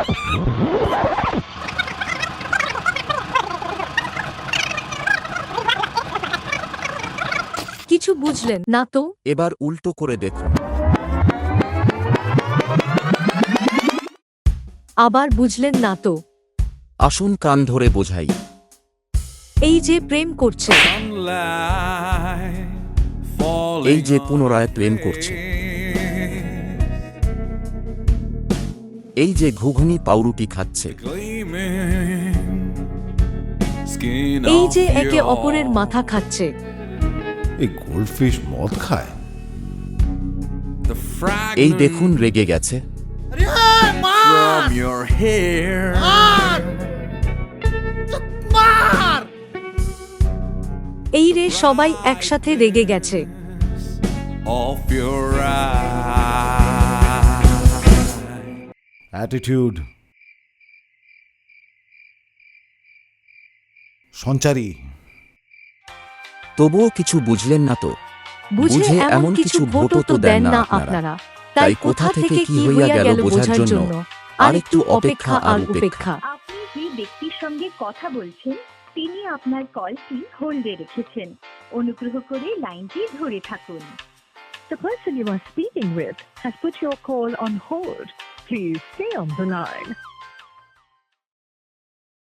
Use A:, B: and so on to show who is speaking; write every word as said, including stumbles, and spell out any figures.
A: কিছু বুঝলেন না তো?
B: এবার উল্টো করে দেখুন।
A: আবার বুঝলেন না তো?
B: আসুন কান ধরে বোঝাই।
A: এই যে প্রেম করছে,
B: এই যে পুনরায় প্রেম করছে, এই যে ঘুঘুনি পাউরুটি খাচ্ছে,
A: এই যে একে অপরের মাথা খাচ্ছে,
C: এই গোল্ডফিশ মদ খায়।
B: এই দেখুন রেগে গেছে।
D: From your hair,
A: এই রে সবাই একসাথে রেগে গেছে।
D: off your eyes.
C: Attitude. Sanchari.
B: তবুও কিছু বুঝলেন না তো?
A: বুঝে এমন কিছু ভোটও তো দেন না আপনারা। তাই কোথা থেকে কি হইয়া গেল বোঝার জন্য আরেকটু অপেক্ষা আর উপেক্ষা।
E: আপনি যে ব্যক্তির সঙ্গে কথা বলছেন তিনি আপনার কলটি হোল্ডে রেখেছেন। অনুগ্রহ করে লাইনটি ধরে থাকুন।
F: The person you are speaking with has put your call on hold. Please stay on the line.